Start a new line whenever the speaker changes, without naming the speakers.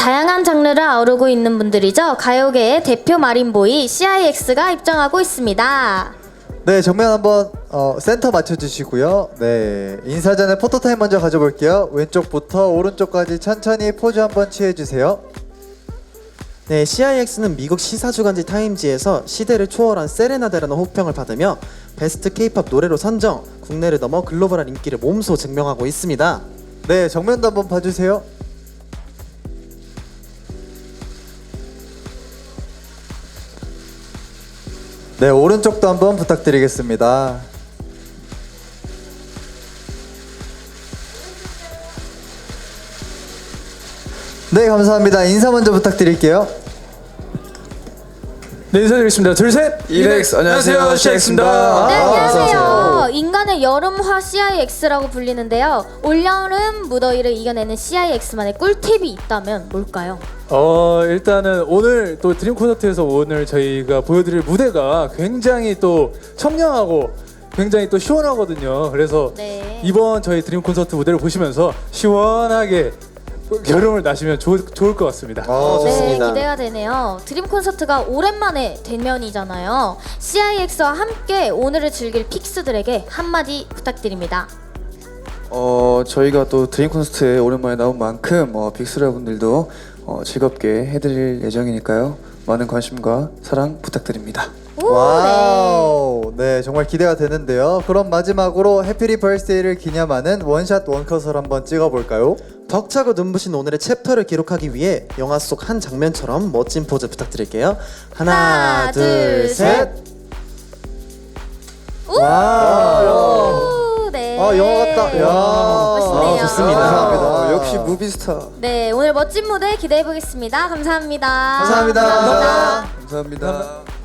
다양한 장르를 아우르고 있는 분들이죠. 가요계의 대표 마린보이 CIX가 입장하고 있습니다.
네, 정면 한번 센터 맞춰주시고요. 네, 인사 전에 포토타임 먼저 가져볼게요. 왼쪽부터 오른쪽까지 천천히 포즈 한번 취해주세요.
네, CIX는 미국 시사주간지 타임지에서 시대를 초월한 세레나데라는 호평을 받으며 베스트 K-팝 노래로 선정, 국내를 넘어 글로벌한 인기를 몸소 증명하고 있습니다.
네, 정면도 한번 봐주세요. 네, 오른쪽도 한번 부탁드리겠습니다. 네, 감사합니다. 인사 먼저 부탁드릴게요.
네, 인사드리겠습니다. 둘, 셋!
이렉스, 안녕하세요, CIX입니다.
네,
어서
안녕하세요. 인간의 여름화 CIX라고 불리는데요. 올여름 무더위를 이겨내는 CIX만의 꿀팁이 있다면 뭘까요?
일단은 오늘 또 드림 콘서트에서 오늘 저희가 보여드릴 무대가 굉장히 또 청량하고 굉장히 또 시원하거든요. 그래서
네.
이번 저희 드림 콘서트 무대를 보시면서 시원하게 여름을 나시면 좋을 것 같습니다.
네,
좋습니다.
기대가 되네요. 드림 콘서트가 오랜만에 대면이잖아요. CIX와 함께 오늘을 즐길 픽스들에게 한마디 부탁드립니다.
저희가 또 드림 콘서트에 오랜만에 나온 만큼 빅스라 분들도 즐겁게 해드릴 예정이니까요. 많은 관심과 사랑 부탁드립니다.
오,
와우, 네, 정말 기대가 되는데요. 그럼 마지막으로 해피리 벌스데이를 기념하는 원샷 원컷을 한번 찍어볼까요?
벅차고 눈부신 오늘의 챕터를 기록하기 위해 영화 속 한 장면처럼 멋진 포즈 부탁드릴게요. 하나, 둘, 셋.
오,
와우.
네.
영화 같다. 야.
멋있네요.
좋습니다.
감사합니다.
역시 무비스타.
네, 오늘 멋진 무대 기대해 보겠습니다. 감사합니다.
감사합니다.
감사합니다.